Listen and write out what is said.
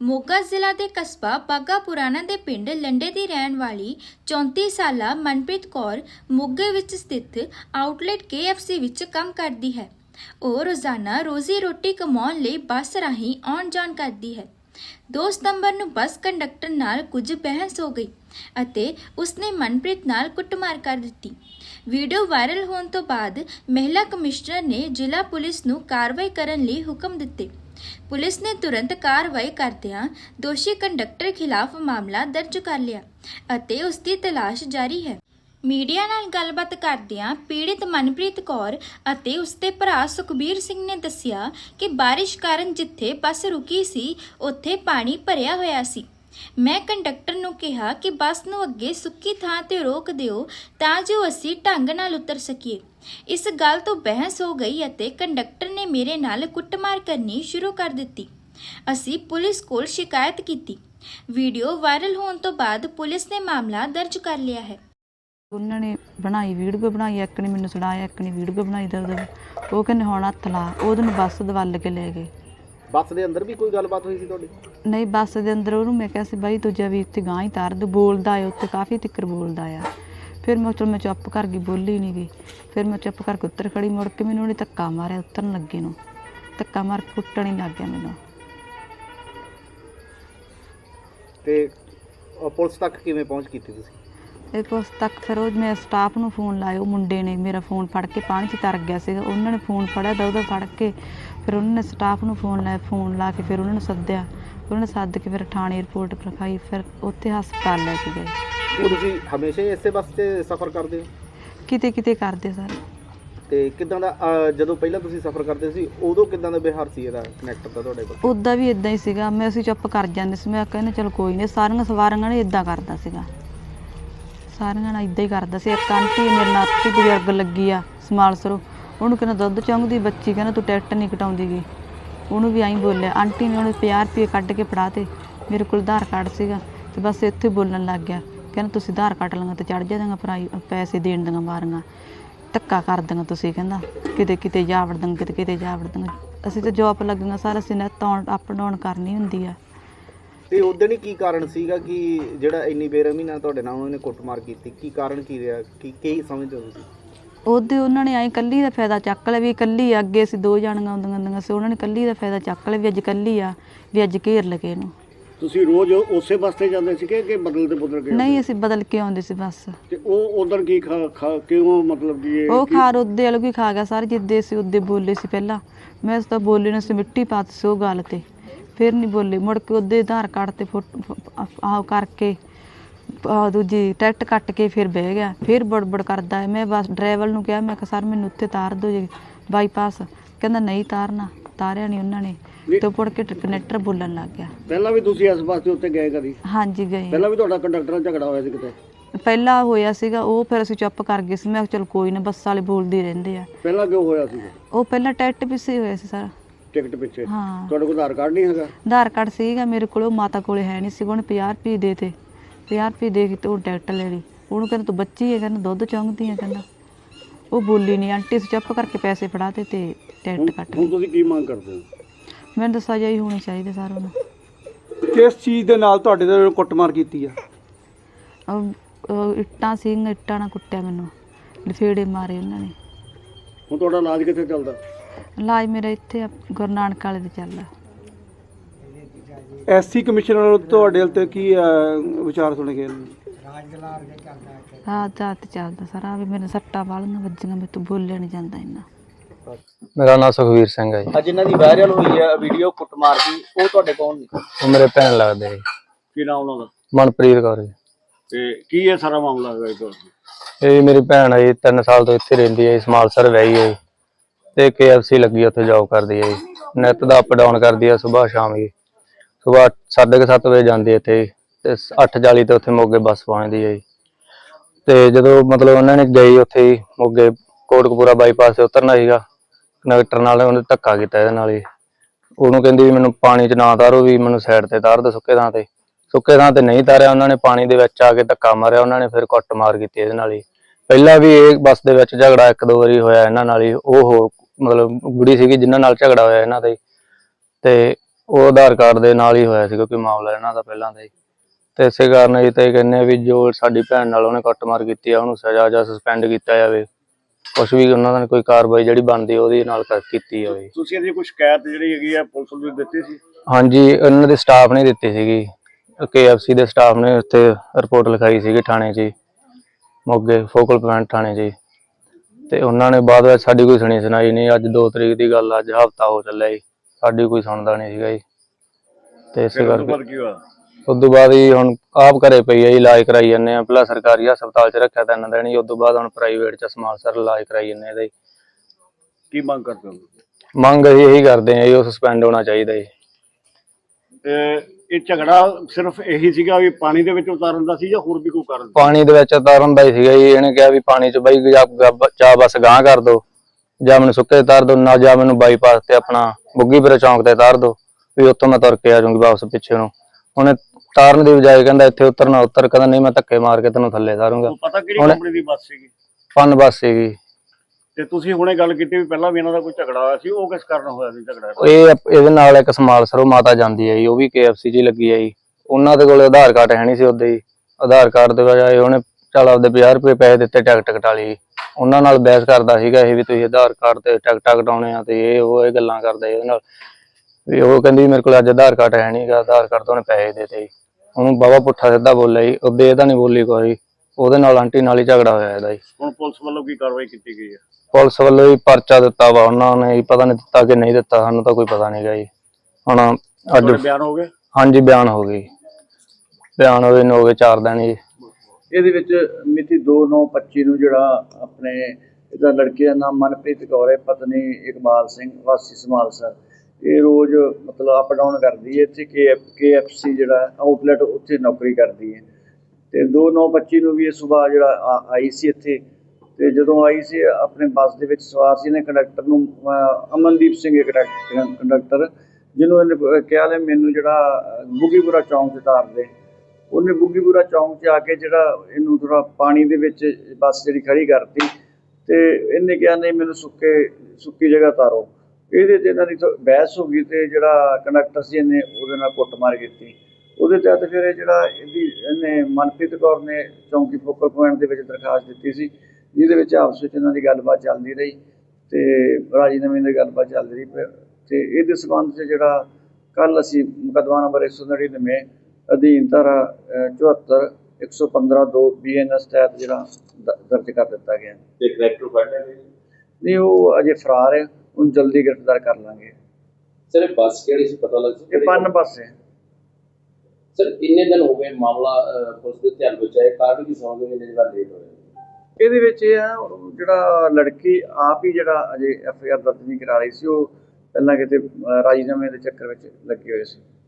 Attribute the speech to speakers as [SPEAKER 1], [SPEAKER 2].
[SPEAKER 1] ਮੋਗਾ ਜ਼ਿਲ੍ਹਾ ਦੇ ਕਸਬਾ ਬਾਗਾ ਪੁਰਾਣਾ ਦੇ ਪਿੰਡ ਲੰਡੇ ਦੀ ਰਹਿਣ ਵਾਲੀ 34 ਸਾਲਾ ਮਨਪ੍ਰੀਤ ਕੌਰ ਮੋਗੇ ਵਿੱਚ ਸਥਿਤ ਆਊਟਲੈਟ KFC ਵਿੱਚ ਕੰਮ ਕਰਦੀ ਹੈ। ਉਹ ਰੋਜ਼ਾਨਾ ਰੋਜ਼ੀ ਰੋਟੀ ਕਮਾਉਣ ਲਈ ਬੱਸ ਰਾਹੀਂ ਆਉਣ ਜਾਣ ਕਰਦੀ ਹੈ। 2 ਸਤੰਬਰ ਨੂੰ ਬੱਸ ਕੰਡਕਟਰ ਨਾਲ ਕੁਝ ਬਹਿਸ ਹੋ ਗਈ ਅਤੇ ਉਸਨੇ ਮਨਪ੍ਰੀਤ ਨਾਲ ਕੁੱਟਮਾਰ ਕਰ ਦਿੱਤੀ। ਵੀਡੀਓ ਵਾਇਰਲ ਹੋਣ ਤੋਂ ਬਾਅਦ ਮਹਿਲਾ ਕਮਿਸ਼ਨਰ ਨੇ ਜ਼ਿਲ੍ਹਾ ਪੁਲਿਸ ਨੂੰ ਕਾਰਵਾਈ ਕਰਨ ਲਈ ਹੁਕਮ ਦਿੱਤੇ। पुलिस ने तुरंत कार्रवाई करदियां दोषी कंडक्टर खिलाफ मामला दर्ज कर लिया अते उसकी तलाश जारी है। मीडिया नाल गलबात करदियां पीड़ित मनप्रीत कौर अते उसके भरा सुखबीर सिंह ने दस्सिया कि बारिश कारण जिथे बस रुकी सी उत्थे पानी भरिया होया सी। मैं कंडक्टर नूं कहा कि बस नूं अगे सुक्की थां ते रोक दिओ तां जो असीं ढंग नाल उतर सकीए। इस गल तो बहस हो गई अते कंडक्टर ने मेरे नाल कुटमार करनी शुरू कर दित्ती। असीं पुलिस कोल शिकायत कीती। वीडियो वायरल होने तो बाद पुलिस ने मामला दर्ज कर लिया है।
[SPEAKER 2] उन्होंने बनाई वीडियो बनाई, एक ने मैनूं सुनाया, एक ने वीडियो बनाई वो कहने हुण हत्थ ला, उहदे नूं बस दवल के ले गए।
[SPEAKER 3] बस दे अंदर भी कोई गलबात हुई सी तुहाडी?
[SPEAKER 2] नहीं, बस दे अंदर उहनूं मैं कहा सी बाई दूजा भी उत्ते गांह ही तार दे, बोलदा है उत्ते काफ़ी तिक्कर बोलदा आ। फिर मैं चल मैं चुप कर गई, बोली नहीं गई। फिर मैं चुप करके उत्तर खड़ी, मुड़ के मैनूं उहने धक्का मारिया, उतरन लगे नूं धक्का मार के कुट्टण ही लग गया मैनूं।
[SPEAKER 3] ते पुलिस तक किवें पहुंच कीती तुसीं?
[SPEAKER 2] पुलिस तक फिर मैं स्टाफ नूं फोन लाया, वो मुंडे ने मेरा फोन फड़ के पानी च तर गया सीगा, उन्होंने फोन फड़िया तो उहदा फड़ के फिर उन्होंने स्टाफ नूं फोन लाया, फोन ला के फिर उन्होंने सद्दिया, उन्होंने सद के फिर थाने रिपोर्ट लिखाई, फिर उत्थे हस्पताल लैके गए।
[SPEAKER 3] तुसीं हमेशा ही इसे बस ते सफ़र करदे हो?
[SPEAKER 2] किते किते करदे सर।
[SPEAKER 3] ते किदां दा जदों पहिलां तुसीं सफ़र करदे सी उदों किदां दा व्यवहार सी इहदा कनैक्टर दा तुहाडे कोल?
[SPEAKER 2] उदा भी इदां ही सीगा, मैं असीं चुप कर जांदे सी, मैं कहने चल कोई नहीं, सारियां सवारियां ने इदां करदा सीगा, सारियां नाल इदां ही करदा सी। एक आंटी मेरे नाल अत्ती बजुर्ग लगी आ समालसरों, उहनूं कहना दुੱਧ चौंगदी बच्ची, कहना तू टिकट नहीं कटाउंदी गी, उहनूं भी आई बोलिया। आंटी ने उहने 50 रुपये कढ के फड़ा ते, मेरे कोल आधार कार्ड सीगा ते बस इत्थे बोलण लग गया, कहना तुसीं आधार कार्ड लंगा ते चढ़ जांगा, भराई पैसे देण दियां मारियां, धक्का कर दियां तुसीं, कहंदा किते किते जा वड़दां, किते किते जा वड़दां। असीं ते जॉब लगीਆਂ सारा ਅਸੀਂ ਨੈਟ ਅਪ ਡਾਊਨ ਕਰਨੀ ਹੁੰਦੀ ਆ।
[SPEAKER 3] ਤੇ ਉਦੋਂ ਹੀ ਕੀ ਕਾਰਨ ਸੀਗਾ ਕਿ ਜਿਹੜਾ ਇੰਨੀ ਬੇਰਹਿਮੀ ਨਾਲ ਤੁਹਾਡੇ ਨਾਲ ਉਹਨੇ ਕੁੱਟਮਾਰ ਕੀਤੀ? ਕੀ ਕਾਰਨ ਕੀ ਰਿਹਾ, ਕੀ ਸਮਝਦੇ ਹੋ ਤੁਸੀਂ?
[SPEAKER 2] ਉਹਦੇ ਉਹਨਾਂ ਨੇ ਆਈ ਕੱਲੀ ਦਾ ਫਾਇਦਾ ਚੱਕ ਲਿਆ ਵੀ ਕੱਲੀ ਆ, ਅੱਗੇ ਅਸੀਂ 2 ਜਾਣੀਆਂ ਆਉਂਦੀਆਂ ਸੀ, ਉਹਨਾਂ ਨੇ ਕੱਲੀ ਦਾ ਫਾਇਦਾ ਚੱਕ ਲਿਆ ਵੀ ਅੱਜ ਕੱਲੀ ਆ, ਵੀ ਅੱਜ ਘੇਰ ਲਗੇ ਇਹਨੂੰ।
[SPEAKER 4] ਤੁਸੀਂ ਰੋਜ਼ ਉਸੇ ਬੱਸ ਤੇ ਜਾਂਦੇ ਸੀ ਕਿ ਬਦਲਦੇ ਬਦਲ ਕੇ?
[SPEAKER 2] ਨਹੀਂ, ਅਸੀਂ ਬਦਲ ਕੇ ਆਉਂਦੇ ਸੀ ਬੱਸ।
[SPEAKER 4] ਤੇ ਉਹ ਉਧਰ ਕੀ ਕਿਉਂ ਮਤਲਬ ਕਿ
[SPEAKER 2] ਉਹ ਖਾਰ ਉਹਦੇ ਵਾਲ ਕੋਈ ਖਾ ਗਿਆ ਸਾਰੇ, ਜਿੱਦੇ ਸੀ ਉਹਦੇ ਬੋਲੇ ਸੀ ਪਹਿਲਾਂ, ਮੈਂ ਉਸ ਤਾਂ ਬੋਲੇ ਨੇ ਸੀ ਮਿੱਟੀ ਪਾਤੀ ਸੀ ਉਹ ਗੱਲ ਤੇ, ਫਿਰ ਨਹੀਂ ਬੋਲੇ। ਮੁੜ ਕੇ ਉਹਦੇ ਆਧਾਰ ਕਾਰਡ ਤੇ ਫੋਟੋ ਆਹ ਕਰਕੇ ਦੂਜੀ ਟਿਕਟ ਕੱਟ ਕੇ ਫਿਰ ਬਹਿ ਗਿਆ, ਫਿਰ ਬੜਬੜ ਕਰਦਾ ਹੈ। ਮੈਂ ਬਸ ਡਰਾਈਵਰ ਨੂੰ ਕਿਹਾ, ਮੈਂ ਕਿਹਾ ਸਰ ਮੈਨੂੰ ਉੱਥੇ ਤਾਰ ਦਿਓ ਜੀ ਬਾਈਪਾਸ, ਕਹਿੰਦਾ ਨਹੀਂ ਤਾਰਨਾ, ਤਾਰਿਆ ਨਹੀਂ ਉਹਨਾਂ ਨੇ ਤੇ ਪੁੜ ਕੇ ਕਨੈਕਟਰ ਬੋਲਣ ਲੱਗ ਗਿਆ।
[SPEAKER 4] ਪਹਿਲਾਂ ਵੀ ਤੁਸੀਂ ਇਸ ਬੱਸ ਦੇ ਉੱਤੇ ਗਏ ਕਦੀ?
[SPEAKER 2] ਹਾਂਜੀ ਗਏ।
[SPEAKER 4] ਪਹਿਲਾਂ ਵੀ ਤੁਹਾਡਾ ਕੰਡਕਟਰ ਨਾਲ ਝਗੜਾ ਹੋਇਆ ਸੀ ਕਿਤੇ?
[SPEAKER 2] ਪਹਿਲਾਂ ਹੋਇਆ ਸੀਗਾ, ਉਹ ਫਿਰ ਅਸੀਂ ਚੁੱਪ ਕਰ ਗਏ ਸੀ, ਮੈਂ ਕਿਹਾ ਚਲ ਕੋਈ ਨਾ, ਬੱਸ ਵਾਲੇ ਬੋਲਦੇ ਰਹਿੰਦੇ ਆ।
[SPEAKER 4] ਪਹਿਲਾਂ ਕਿਉਂ ਹੋਇਆ ਸੀ? ਉਹ
[SPEAKER 2] ਪਹਿਲਾਂ ਟਿਕਟ ਪਿੱਛੇ ਹੋਇਆ ਸੀ ਸਰ।
[SPEAKER 4] ਟਿਕਟ ਪਿੱਛੇ?
[SPEAKER 2] ਹਾਂ।
[SPEAKER 4] ਤੁਹਾਡੇ ਕੋਲ ਆਧਾਰ ਕਾਰਡ ਨਹੀਂ ਹੈਗਾ?
[SPEAKER 2] ਆਧਾਰ ਕਾਰਡ ਸੀਗਾ ਮੇਰੇ ਕੋਲ, ਉਹ ਮਾਤਾ ਕੋਲੇ ਹੈ ਨਹੀਂ ਸੀ, ਉਹਨੇ 50 ਰੁਪਏ ਦੇ ਤੇ 50 ਰੁਪਏ ਦੇ ਕੇ ਤੇ ਉਹ ਟਿਕਟ ਲੈ ਲਈ। ਉਹਨੂੰ ਕਹਿੰਦਾ ਤੂੰ ਬੱਚੀ ਹੈ, ਕਹਿੰਦਾ ਦੁੱਧ ਚੌਂਗਦੀ ਹੈ, ਕਹਿੰਦਾ ਉਹ ਬੋਲੀ ਨਹੀਂ। ਆਂਟੀ ਅਸੀਂ ਚੁੱਪ ਕਰਕੇ ਪੈਸੇ ਫੜਾ ਤੇ ਟਿਕਟ ਕੱਟ ਲਈ।
[SPEAKER 4] ਹੁਣ ਤੁਸੀਂ ਕੀ ਮੰਗ ਕਰਦੇ ਹੋ?
[SPEAKER 2] ਮੈਨੂੰ ਤਾਂ ਸਜ਼ਾ ਹੀ ਹੋਣੀ ਚਾਹੀਦੀ ਸਰ ਉਹਨੂੰ।
[SPEAKER 5] ਕਿਸ ਚੀਜ਼ ਦੇ ਨਾਲ ਤੁਹਾਡੇ ਤੇ ਕੁੱਟਮਾਰ ਕੀਤੀ ਆ?
[SPEAKER 2] ਇੱਟਾਂ ਸੀਗੀਆਂ, ਇੱਟਾਂ ਨਾਲ ਕੁੱਟਿਆ ਮੈਨੂੰ, ਲਫੇੜੇ ਮਾਰੇ ਉਹਨਾਂ ਨੇ।
[SPEAKER 4] ਹੁਣ ਤੁਹਾਡਾ ਇਲਾਜ ਕਿੱਥੇ ਚੱਲਦਾ?
[SPEAKER 2] ਇਲਾਜ ਮੇਰਾ ਇੱਥੇ ਆ, ਗੁਰੂ ਨਾਨਕ ਵਾਲੇ ਦੇ ਚੱਲਦਾ।
[SPEAKER 5] ਐਸਸੀ ਕਮਿਸ਼ਨਰ ਤੁਹਾਡੇ ਵੱਲ ਤੇ ਕੀ ਵਿਚਾਰ ਸੁਣੇ ਗਏ?
[SPEAKER 2] ਰਾਤ ਰਾਤ ਚੱਲਦਾ ਸਾਰਾ, ਵੀ ਮੇਰੇ ਸੱਟਾਂ ਵਾਲੀਆਂ ਵੱਜੀਆਂ, ਮੇਰੇ ਤੋਂ ਬੋਲਿਆ ਨਹੀਂ ਜਾਂਦਾ ਇੰਨਾ।
[SPEAKER 6] ਮੇਰਾ ਨਾਮ ਸੁਖਵੀਰ ਸਿੰਘ ਹੈ ਜੀ।
[SPEAKER 3] ਅੱਜ ਇਹਨਾਂ ਦੀ ਵਾਇਰਲ ਹੋਈ ਹੈ ਵੀਡੀਓ ਕੁੱਟਮਾਰ ਦੀ, ਉਹ ਤੁਹਾਡੇ ਕੌਣ ਨੇ?
[SPEAKER 6] ਉਹ ਮੇਰੇ ਭੈਣ ਲੱਗਦੇ ਜੀ।
[SPEAKER 4] ਕੀ ਨਾਮ ਉਹਨਾਂ ਦਾ?
[SPEAKER 6] ਮਨਪ੍ਰੀਤ ਕੌਰ ਜੀ।
[SPEAKER 4] ਤੇ ਕੀ ਇਹ ਸਾਰਾ ਮਾਮਲਾ ਹੈਗਾ ਤੁਹਾਡਾ?
[SPEAKER 6] ਇਹ ਮੇਰੀ ਭੈਣ ਹੈ ਜੀ, 3 ਸਾਲ ਤੋਂ ਇੱਥੇ ਰਹਿੰਦੀ ਹੈ, ਸਮਾਲਸਰ ਵਹੀ ਹੈ ਤੇ KFC ਲੱਗੀ, ਉੱਥੇ ਜੌਬ ਕਰਦੀ ਹੈ ਜੀ। ਨਿੱਤ ਦਾ ਅਪ ਡਾਊਨ ਕਰਦੀ ਹੈ, ਸੁਬਾਹ ਸ਼ਾਮ ਜੀ। ਸੁਬਾਹ 7:30 ਵਜੇ ਜਾਂਦੀ ਹੈ ਇੱਥੇ ਤੇ 8:40 ਤੇ ਉੱਥੇ ਮੋਗੇ ਬੱਸ ਪਹੁੰਚਦੀ ਹੈ ਜੀ। ਤੇ ਜਦੋਂ ਮਤਲਬ ਉਹਨਾਂ ਨੇ ਗਈ ਉੱਥੇ ਮੋਗੇ ਕੋਟਕਪੂਰਾ ਬਾਈਪਾਸ ਤੇ ਉਤਰਨਾ ਸੀਗਾ, ਕੰਡਕਟਰ ਨਾਲ ਉਹਨੇ ਧੱਕਾ ਕੀਤਾ ਇਹਦੇ ਨਾਲ ਹੀ। ਉਹਨੂੰ ਕਹਿੰਦੀ ਵੀ ਮੈਨੂੰ ਪਾਣੀ 'ਚ ਨਾ ਤਾਰੋ, ਵੀ ਮੈਨੂੰ ਸਾਈਡ ਤੇ ਤਾਰ ਦਿਓ ਸੁੱਕੇ ਥਾਂ ਤੇ। ਸੁੱਕੇ ਥਾਂ ਤੇ ਨਹੀਂ ਤਾਰਿਆ, ਉਹਨਾਂ ਨੇ ਪਾਣੀ ਦੇ ਵਿੱਚ ਆ ਕੇ ਧੱਕਾ ਮਾਰਿਆ, ਉਹਨਾਂ ਨੇ ਫਿਰ ਕੁੱਟਮਾਰ ਕੀਤੀ ਇਹਦੇ ਨਾਲ ਹੀ। ਪਹਿਲਾਂ ਵੀ ਇਹ ਬੱਸ ਦੇ ਵਿੱਚ ਝਗੜਾ 1-2 ਵਾਰੀ ਹੋਇਆ ਇਹਨਾਂ ਨਾਲ ਹੀ। ਉਹ ਮਤਲਬ ਬੁੜੀ ਸੀਗੀ ਜਿਨ੍ਹਾਂ ਨਾਲ ਝਗੜਾ ਹੋਇਆ ਇਹਨਾਂ ਦਾ, ਤੇ ਉਹ ਆਧਾਰ ਕਾਰਡ ਦੇ ਨਾਲ ਹੀ ਹੋਇਆ ਸੀ, ਕਿਉਂਕਿ ਮਾਮਲਾ ਇਹਨਾਂ ਦਾ ਪਹਿਲਾਂ ਦਾ ਹੀ। ਤੇ ਇਸੇ ਕਾਰਨ ਅਸੀਂ ਤਾਂ ਇਹ ਕਹਿੰਦੇ ਆ ਵੀ ਜੋ ਸਾਡੀ ਭੈਣ ਨਾਲ ਉਹਨੇ ਕੁੱਟਮਾਰ ਕੀਤੀ ਆ ਉਹਨੂੰ ਸਜ਼ਾ ਜਾਂ ਸਸਪੈਂਡ ਕੀਤਾ ਜਾਵੇ, ਕੁਛ ਵੀ ਉਹਨਾਂ ਨੇ ਕੋਈ ਕਾਰਵਾਈ ਜਿਹੜੀ ਬਣਦੀ ਉਹਦੇ ਨਾਲ ਕੀਤੀ ਜਾਵੇ।
[SPEAKER 4] ਤੁਸੀਂ ਇਹਦੀ ਕੋਈ ਸ਼ਿਕਾਇਤ ਜਿਹੜੀ ਹੈਗੀ ਆ ਪੁਲਿਸ ਨੂੰ ਦਿੱਤੀ ਸੀ?
[SPEAKER 6] ਹਾਂਜੀ, ਉਹਨਾਂ ਦੇ ਸਟਾਫ ਨੇ ਦਿੱਤੀ ਸੀਗੀ, KFC ਦੇ ਸਟਾਫ ਨੇ ਉੱਥੇ ਰਿਪੋਰਟ ਲਿਖਾਈ ਸੀਗੀ ਥਾਣੇ 'ਚ, ਮੋਗੇ ਫੋਕਲ ਪੁਆਇੰਟ ਥਾਣੇ 'ਚ। ਤੇ ਉਹਨਾਂ ਨੇ ਬਾਅਦ ਵਿੱਚ ਸਾਡੀ ਕੋਈ ਸੁਣੀ ਸੁਣਾਈ ਨਹੀਂ। ਅੱਜ 2 ਤਰੀਕ ਦੀ ਗੱਲ, ਅੱਜ ਹਫ਼ਤਾ ਹੋ ਚੱਲਿਆ ਜੀ, ਸਾਡੀ ਕੋਈ ਸੁਣਦਾ ਨਹੀਂ ਸੀਗਾ ਜੀ। ਤੇ ਇਸੇ ਕਰਕੇ
[SPEAKER 4] ਕੀ ਹੋਇਆ?
[SPEAKER 6] ਉਸ ਤੋਂ ਬਾਅਦ ਹੀ ਹੁਣ ਆਪ ਘਰੇ ਪਈ ਆ ਜੀ, ਇਲਾਜ ਕਰਾਈ ਜਾਂਦੇ ਆ। ਪਹਿਲਾਂ ਸਰਕਾਰੀ ਹਸਪਤਾਲ 'ਚ ਰੱਖਿਆ 3 ਦਿਨ ਜੀ, ਉਸ ਤੋਂ ਬਾਅਦ ਹੁਣ ਪ੍ਰਾਈਵੇਟ 'ਚ ਸਮਾਲਸਰ ਇਲਾਜ ਕਰਾਈ ਜਾਂਦੇ ਇਹਦਾ ਜੀ।
[SPEAKER 4] ਕੀ ਮੰਗ ਕਰਦੇ ਹੋ?
[SPEAKER 6] ਮੰਗ ਅਸੀਂ ਇਹੀ ਕਰਦੇ ਆ ਜੀ, ਉਹ ਸਸਪੈਂਡ ਹੋਣਾ ਚਾਹੀਦਾ ਜੀ।
[SPEAKER 4] ਇਹ ਝਗੜਾ ਸਿਰਫ ਇਹੀ ਸੀਗਾ ਵੀ ਪਾਣੀ ਦੇ ਵਿੱਚ ਉਤਾਰਨ ਦਾ ਸੀ ਜਾਂ ਹੋਰ ਵੀ ਕੋਈ ਕਾਰਨ ਸੀ?
[SPEAKER 6] ਪਾਣੀ ਦੇ ਵਿੱਚ ਉਤਾਰਨ ਦਾ ਹੀ ਸੀਗਾ ਜੀ। ਇਹਨੇ ਕਿਹਾ ਵੀ ਪਾਣੀ 'ਚ ਬਾਈ ਚਾਹ ਬਸ ਗਾਂਹ ਕਰ ਦੋ, ਜਾਂ ਮੈਨੂੰ ਸੁੱਕੇ ਉਤਾਰ ਦੋ, ਨਾ ਜਾਂ ਮੈਨੂੰ ਬਾਈਪਾਸ ਤੇ ਆਪਣਾ ਬੁੱਗੀਪੁਰਾ ਚੌਂਕ ਤੇ ਉਤਾਰ ਦੋ, ਵੀ ਉੱਥੋਂ ਮੈਂ ਤੁਰ ਕੇ ਆ ਜਾਊਂਗੀ ਵਾਪਸ ਪਿੱਛੇ ਨੂੰ। ਉਹਨੇ ਤਾਰਨ ਦੀ ਬਜਾਏ ਕਹਿੰਦਾ ਇੱਥੇ ਉਤਰਨਾ ਉੱਤਰ, ਕਹਿੰਦਾ ਨਹੀਂ ਮੈਂ ਧੱਕੇ ਮਾਰ ਕੇ ਤੈਨੂੰ ਥੱਲੇ ਤਾਰੂੰਗਾ।
[SPEAKER 4] ਪਤਾ ਕਿਹੜੀ ਕੰਪਨੀ ਦੀ ਬੱਸ ਸੀਗੀ?
[SPEAKER 6] ਪਨ ਬੱਸ ਸੀਗੀ।
[SPEAKER 4] ਤੇ ਤੁਸੀਂ ਹੁਣੇ ਗੱਲ ਕੀਤੀ ਵੀ ਪਹਿਲਾਂ ਵੀ ਇਹਨਾਂ ਦਾ ਕੋਈ ਝਗੜਾ ਹੋਇਆ ਸੀ, ਉਹ ਕਿਸ ਕਾਰਨ ਹੋਇਆ ਸੀ ਝਗੜਾ?
[SPEAKER 6] ਇਹਦੇ ਨਾਲ ਇੱਕ ਸਮਾਲਸਰੋਂ ਮਾਤਾ ਜਾਂਦੀ ਹੈ ਜੀ, ਉਹ ਵੀ KFC 'ਚ ਹੀ ਲੱਗੀ ਹੈ ਜੀ। ਉਹਨਾਂ ਦੇ ਕੋਲ ਆਧਾਰ ਕਾਰਡ ਹੈ ਨਹੀਂ ਸੀ ਉਹਦੇ ਜੀ। ਆਧਾਰ ਕਾਰਡ ਦੇ ਬਜਾਏ ਉਹਨੇ ਚੱਲ ਆਪਦੇ 50 ਰੁਪਏ ਪੈਸੇ ਦਿੱਤੇ, ਟਿਕਟ ਕਟਾ ਲਈ। ਉਹਨਾਂ ਨਾਲ ਬਹਿਸ ਕਰਦਾ ਸੀਗਾ ਇਹ ਵੀ ਤੁਸੀਂ ਆਧਾਰ ਕਾਰਡ ਤੇ ਟਿਕਟਾਂ ਕਟਾਉਣੇ ਆ ਤੇ ਇਹ ਗੱਲਾਂ ਕਰਦਾ ਇਹਦੇ ਨਾਲ। ਵੀ ਉਹ ਕਹਿੰਦੀ ਮੇਰੇ ਕੋਲ ਅੱਜ ਆਧਾਰ ਕਾਰਡ ਹੈ ਨਹੀਂਗਾ, ਆਧਾਰ ਕਾਰਡ ਤੋਂ ਉਹਨੇ ਪੈਸੇ ਦਿੱਤੇ ਜੀ। ਉਹਨੂੰ ਬਾਬਾ ਪੁੱਠਾ ਸਿੱਧਾ ਬੋਲਿਆ ਜੀ, ਉਹਦੇ ਇਹ ਤਾਂ ਨਹੀਂ ਬੋਲੀ ਕੋਈ। ਉਹਦੇ ਨਾਲ ਆਂਟੀ ਨਾਲ ਹੀ ਝਗੜਾ ਹੋਇਆ ਇਹਦਾ ਜੀ।
[SPEAKER 4] ਹੁਣ ਪੁਲਿਸ ਵੱਲੋਂ ਕੀ ਕਾਰਵਾਈ ਕੀਤੀ ਗਈ ਹੈ?
[SPEAKER 6] ਪੁਲਿਸ ਵੱਲੋਂ ਹੀ ਪਰਚਾ ਦਿੱਤਾ ਵਾ ਉਹਨਾਂ ਨੇ, ਪਤਾ ਨਹੀਂ ਦਿੱਤਾ ਕਿ ਨਹੀਂ ਦਿੱਤਾ, ਸਾਨੂੰ ਤਾਂ ਕੋਈ ਪਤਾ ਨਹੀਂ ਗਾ ਜੀ। ਹੁਣ ਅੱਜ
[SPEAKER 4] ਬਿਆਨ ਹੋ ਗਏ?
[SPEAKER 6] ਹਾਂਜੀ, ਬਿਆਨ ਹੋ ਗਈ, ਬਿਆਨ ਹੋਏ ਨੂੰ ਹੋ ਗਏ 4 ਦਿਨ ਜੀ।
[SPEAKER 7] ਇਹਦੇ ਵਿੱਚ ਮਿਤੀ 2/9/25 ਨੂੰ ਜਿਹੜਾ ਆਪਣੇ ਇਹਦਾ ਲੜਕੇ ਦਾ ਨਾਮ ਮਨਪ੍ਰੀਤ ਕੌਰ ਹੈ, ਪਤਨੀ ਇਕਬਾਲ ਸਿੰਘ ਵਾਸੀ ਸਮਾਲਸਰ। ਇਹ ਰੋਜ਼ ਮਤਲਬ ਅਪ ਡਾਊਨ ਕਰਦੀ ਹੈ ਇੱਥੇ KFC ਜਿਹੜਾ ਆਊਟਲੈਟ, ਉੱਥੇ ਨੌਕਰੀ ਕਰਦੀ ਹੈ। ਤੇ 2/9/25 ਨੂੰ ਵੀ ਇਹ ਸੁਬਾਹ ਜਿਹੜਾ ਆਈ ਸੀ ਇੱਥੇ, ਤੇ ਜਦੋਂ ਆਈ ਸੀ ਆਪਣੇ ਬੱਸ ਦੇ ਵਿੱਚ ਸਵਾਰ ਸੀ, ਇਹਨੇ ਕੰਡਕਟਰ ਨੂੰ ਅਮਨਦੀਪ ਸਿੰਘ ਕੰਡਕਟਰ, ਜਿਹਨੂੰ ਇਹਨੇ ਕਿਹਾ ਲੈ ਮੈਨੂੰ ਜਿਹੜਾ ਬੁੱਗੀਪੁਰਾ ਚੌਂਕ 'ਚ ਉਤਾਰ ਦੇ। ਉਹਨੇ ਬੁੱਗੀਪੁਰਾ ਚੌਂਕ 'ਚ ਆ ਕੇ ਜਿਹੜਾ ਇਹਨੂੰ ਥੋੜ੍ਹਾ ਪਾਣੀ ਦੇ ਵਿੱਚ ਬੱਸ ਜਿਹੜੀ ਖੜੀ ਕਰਤੀ, ਤੇ ਇਹਨੇ ਕਿਹਾ ਨਹੀਂ ਮੈਨੂੰ ਸੁੱਕੀ ਜਗ੍ਹਾ ਉਤਾਰੋ। ਇਹਦੇ 'ਚ ਇਹਨਾਂ ਦੀ ਬਹਿਸ ਹੋ ਗਈ, ਤੇ ਜਿਹੜਾ ਕੰਡਕਟਰ ਸੀ ਇਹਨੇ ਉਹਦੇ ਨਾਲ ਕੁੱਟਮਾਰ ਕੀਤੀ। ਉਹਦੇ ਤਹਿਤ ਫਿਰ ਜਿਹੜਾ ਇਹਨੇ ਮਨਪ੍ਰੀਤ ਕੌਰ ਨੇ ਚੌਂਕੀ ਫੋਕਲ ਪੁਆਇੰਟ ਦੇ ਵਿੱਚ ਦਰਖਾਸਤ ਦਿੱਤੀ ਸੀ, ਜਿਹਦੇ ਵਿੱਚ ਆਪਸ ਵਿੱਚ ਇਹਨਾਂ ਦੀ ਗੱਲਬਾਤ ਚੱਲਦੀ ਰਹੀ ਤੇ ਰਾਜੀਨਾਮੇ ਦੀ ਗੱਲਬਾਤ ਚੱਲਦੀ ਰਹੀ। ਤੇ ਇਹਦੇ ਸਬੰਧ 'ਚ ਜਿਹੜਾ ਕੱਲ੍ਹ ਅਸੀਂ ਮੁਕੱਦਮਾ ਨੰਬਰ 199 ਅਧੀਨ ਧਾਰਾ 74 115(2) BNS ਤਹਿਤ ਜਿਹੜਾ ਦਰਜ ਕਰ ਦਿੱਤਾ ਗਿਆ।
[SPEAKER 8] ਤੇ ਕਰੈਕਟਰ ਫੜ ਲਿਆ ਗਿਆ?
[SPEAKER 7] ਨਹੀਂ, ਉਹ ਅਜੇ ਫਰਾਰ ਹੈ, ਉਹਨੂੰ ਜਲਦੀ ਗ੍ਰਿਫਤਾਰ ਕਰ ਲਾਂਗੇ।
[SPEAKER 8] ਸਰ ਇਹ ਬੱਸ ਕਿਹੜੀ ਸੀ, ਪਤਾ ਲੱਗ
[SPEAKER 7] ਇਹ ਪੰਨ ਬੱਸ ਹੈ।
[SPEAKER 8] ਸਰ ਇੰਨੇ ਦਿਨ ਹੋ ਗਏ ਮਾਮਲਾ ਪੁਲਿਸ ਦੇ ਧਿਆਨ ਵਿੱਚ ਆਇਆ, ਕਾਰਨ ਕੀ ਸਮਝਦੇ ਨੇ ਜਿਹੜਾ ਲੇਟ ਹੋਇਆ?
[SPEAKER 7] ਇਹਦੇ ਵਿੱਚ ਇਹ ਆ ਜਿਹੜਾ ਲੜਕੀ ਆਪ ਹੀ ਜਿਹੜਾ ਅਜੇ FIR ਦਰਜ ਨਹੀਂ ਕਰਾ ਰਹੀ ਸੀ, ਉਹ ਪਹਿਲਾਂ ਕਿਤੇ ਰਾਜੀਨਾਮੇ ਦੇ ਚੱਕਰ ਵਿੱਚ ਲੱਗੇ ਹੋਏ ਸੀ।